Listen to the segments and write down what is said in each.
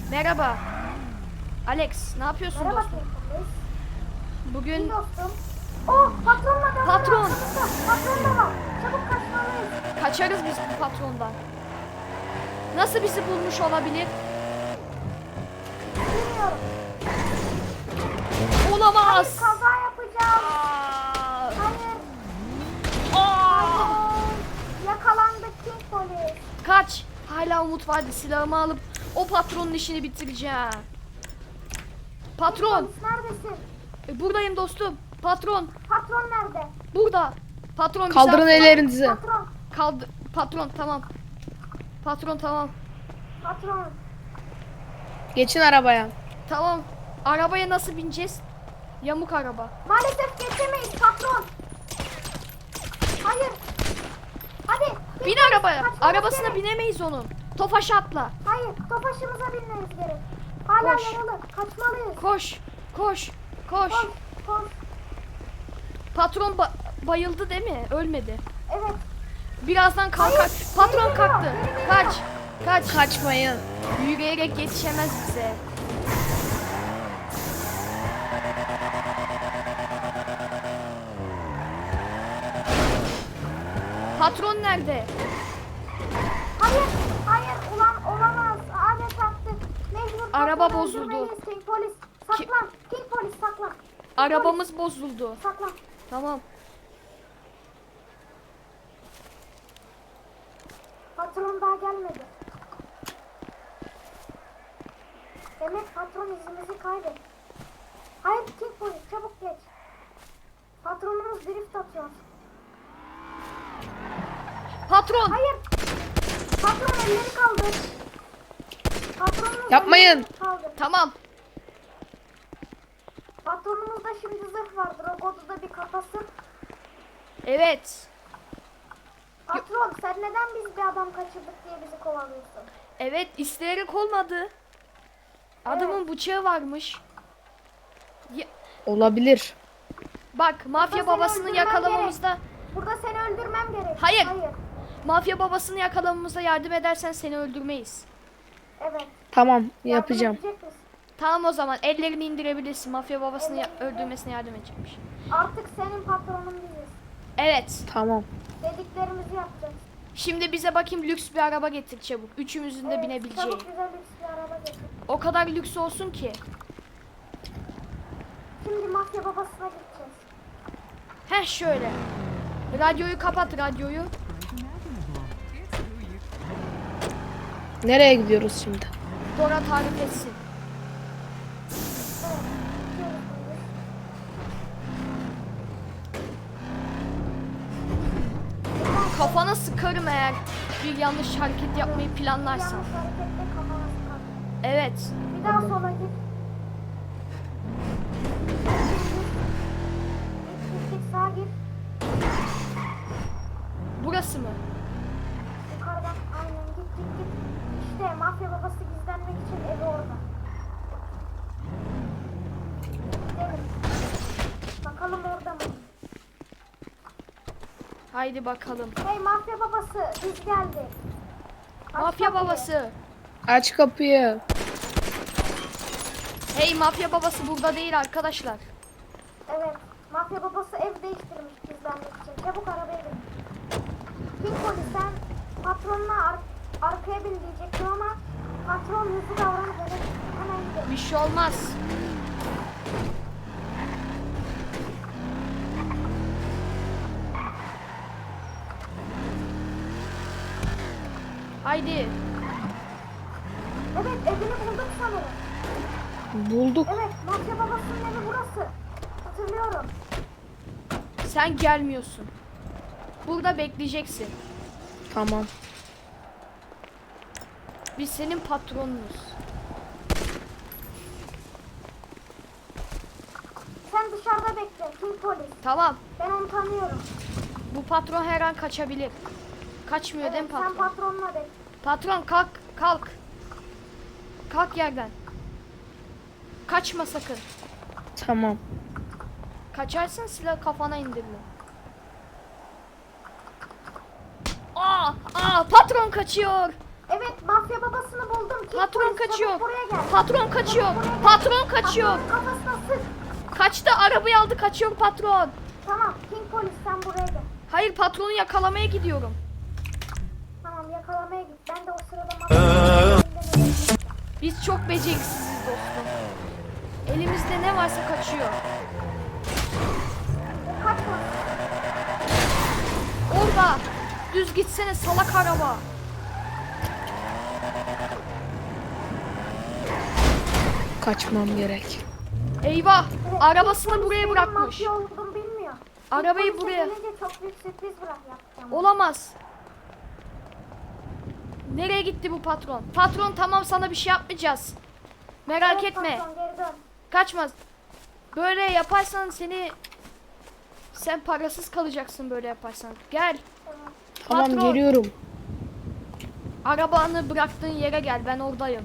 Merhaba. Alex, ne yapıyorsun Merhaba dostum? King Polis. Bugün İyi dostum. Oh, patronla da Patron. var. Patron da var. Çabuk kaçmalıyız. kaçarız biz bu patrondan. Nasıl bizi bulmuş olabilir? Bilmiyorum. Olamaz. Kaza yapacağım. Aa! Hayır. Aa! Hayır. Yakalandık King Polis. Kaç. Hala umut vardı. Silahımı alıp o patronun işini bitireceğim. Patron. King Polis neredesin? Buradayım dostum. Patron. Patron nerede? Burada. Patron Kaldırın bizi- ellerinizi. Patron. Patron tamam. Patron tamam. Patron. Geçin arabaya. Tamam. Arabaya nasıl bineceğiz? Yamuk araba. Maalesef geçemeyiz patron. Hayır. Hadi. King Bin Polis, arabaya. kaçmamız Arabasına gerek. binemeyiz onun. Tofaş atla. Hayır. Tofaşımıza binmemiz gerek. Hala Koş. yaralı. Kaçmalıyız. Koş. Koş. Koş. Koş. Koş. Patron bayıldı değil mi? Ölmedi. Evet. Birazdan kalkar. Hayır, Patron geri kalktı. geliyor, geri geliyor. Kaç. Kaç. Kaçmayın. Yürüyerek yetişemez bize. Patron nerede? Hayır. Hayır. Ulan olamaz. Ağaca çarptı. Mecbur. Araba patronu bozuldu. öldürmeliyiz. King Polis. Saklan. King Polis saklan. Arabamız bozuldu. Saklan. Tamam. Patron daha gelmedi. Demek patron izimizi kaybetti. Hayır King Polis çabuk geç. Patronumuz drift atıyor. Patron. Hayır. Patron elleri kaldır. Patronumuz Yapmayın. elleri kaldır. Tamam. Patronumuzda şimdi zırh vardır. O kodu da bir kapasın. Evet. Patron sen neden biz bir adam kaçırdık diye bizi kovalıyorsun? Evet, isteyerek olmadı. Adamın bıçağı varmış. Olabilir. Bak, mafya Burada seni babasını öldürmem yakalamamızda Burada seni öldürmem gerek. Hayır. Hayır. mafya babasını yakalamamıza yardım edersen seni öldürmeyiz. Evet. Tamam Yardım yapacağım. edecek misin? Tamam o zaman ellerini indirebilirsin. Mafya babasını öldürmesine yardım edecekmiş. Artık senin patronun biziz. Evet. Tamam. Dediklerimizi yapacağız. Şimdi bize bakayım lüks bir araba getir çabuk. Üçümüzün de Evet, binebileceği. Çabuk bize lüks bir araba getir. O kadar lüks olsun ki. Şimdi mafya babasına gideceğiz. Heh şöyle. Radyoyu kapat radyoyu. Nereye gidiyoruz şimdi? Dora tarif etsin. Evet. Gidiyoruz biz. Kafana sıkarım eğer bir yanlış hareket yapmayı planlarsan. Yanlış hareketle kafana sıkar. Evet. Bir daha sola git. Git sağa git. Burası mı? Yukarıdan aynen git. İşte mafya babası gizlenmek için evi orada. Gidelim. Bakalım orada mı? Haydi bakalım. Hey mafya babası biz geldik. Aç Mafya kapıyı. babası. Aç kapıyı. Hey mafya babası burada değil arkadaşlar. Evet. Mafya babası ev değiştirmiş gizlenmek için. Çabuk arabaya bin. King Polis sen patronuna arkaya bin diyecektim ama patron hızlı davranıp evet hemen gidelim. Bir şey olmaz. Haydi. Evet evini bulduk sanırım. Bulduk. Evet mafya babasının evi burası. Hatırlıyorum. Sen gelmiyorsun. Burada bekleyeceksin. Tamam. Biz senin patronunuz. Sen dışarıda bekle King Polis. Tamam. Ben onu tanıyorum. Bu patron her an kaçabilir. Kaçmıyor değil mi Sen patron? patronla bekle. Patron kalk. Kalk. Kalk yerden. Kaçma sakın. Tamam. Kaçarsın silah kafana indirilir. Aa, patron kaçıyor. Evet mafya babasını buldum. King Patron Polis kaçıyor. Çabuk buraya gel. Patron kaçıyor. Patron kaçıyor. Patronun kafasına sık. Kaçtı, arabayı aldı, kaçıyor patron. Tamam King polis sen buraya gel. Hayır, patronu yakalamaya gidiyorum. Tamam yakalamaya git. Ben de o sırada mafya Biz çok beceriksiziz dostum. Elimizde ne varsa kaçıyor. kaçma. Orada. Düz gitsene salak araba. Kaçmam gerek. Eyvah. Evet, Arabasını King buraya polis bırakmış. benim mafya olduğumu bilmiyor. Arabayı King polise buraya. gelince çok büyük sürpriz yapacağım. Olamaz. Nereye gitti bu patron? Patron tamam, sana bir şey yapmayacağız. Merak Evet, etme. patron, geri dön. Kaçmaz. Böyle yaparsan sen parasız kalacaksın böyle yaparsan. Gel. Tamam. Tamam Patron. geliyorum. Arabanı bıraktığın yere gel. Ben oradayım.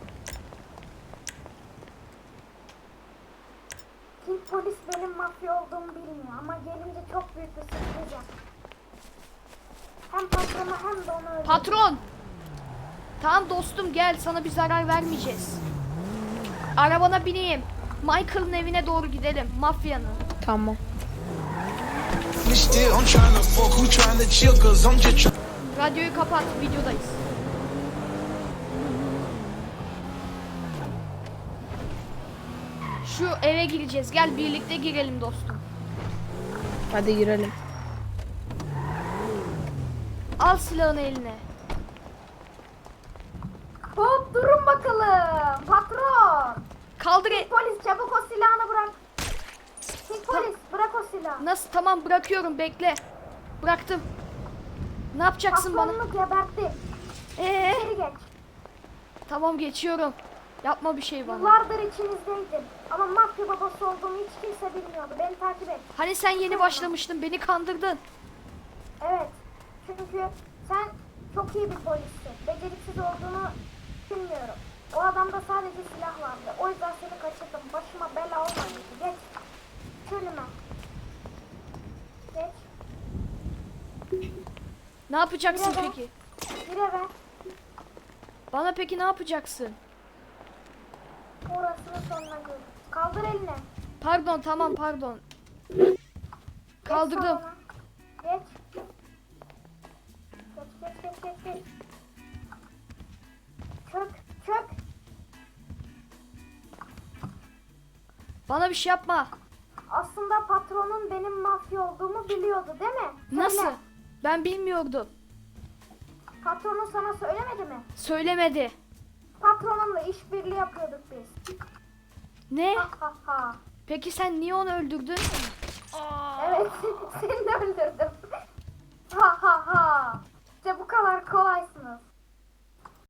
King polis benim mafya olduğumu bilmiyor ama gelince çok büyük bir sürpriz yap. Hem patronu hem de onu öldürdü. Patron. Tamam dostum, gel, sana bir zarar vermeyeceğiz. Arabana bineyim. Michael'ın evine doğru gidelim. Mafyanın. Tamam. Still, I'm trying to fuck, who trying to chill, cause I'm just Radyoyu kapat. Videodayız. Şu eve gireceğiz. Gel birlikte girelim dostum. Hadi girelim. Al silahını eline. Hop durun bakalım. Patron. Kaldır. Polis çabuk o silahını bırak. King polis bırak o silahı. Nasıl? Tamam, bırakıyorum, bekle. Bıraktım. Ne yapacaksın bana? Patronunu geberttim. İçeri geç. Tamam, geçiyorum. Yapma bir şey bana. Yıllardır içinizdeydim. Ama mafya babası olduğumu hiç kimse bilmiyordu. Beni takip et. Hani sen yeni başlamıştın, beni kandırdın. Evet. Çünkü sen çok iyi bir polissin. Beceriksiz olduğunu bilmiyorum. O adamda sadece silah vardı. O yüzden seni kaçırdım. Başıma bela olmaydı. Geç. Önüme. Geç. Ne yapacaksın Yine de. peki? Gir eve. Bana peki ne yapacaksın? Orasını sonuna gör. Kaldır elini. Pardon, tamam, pardon. Geç Kaldırdım. salona. Geç. Geç. Çök. Bana bir şey yapma. Aslında patronun benim mafya olduğumu biliyordu değil mi? Söyle. Nasıl? Ben bilmiyordum. Patronun sana söylemedi mi? Söylemedi. Patronunla işbirliği yapıyorduk biz. Ne? Ha ha ha. Peki sen niye onu öldürdün? Evet, seni de öldürdüm. Ha ha ha. İşte bu kadar kolay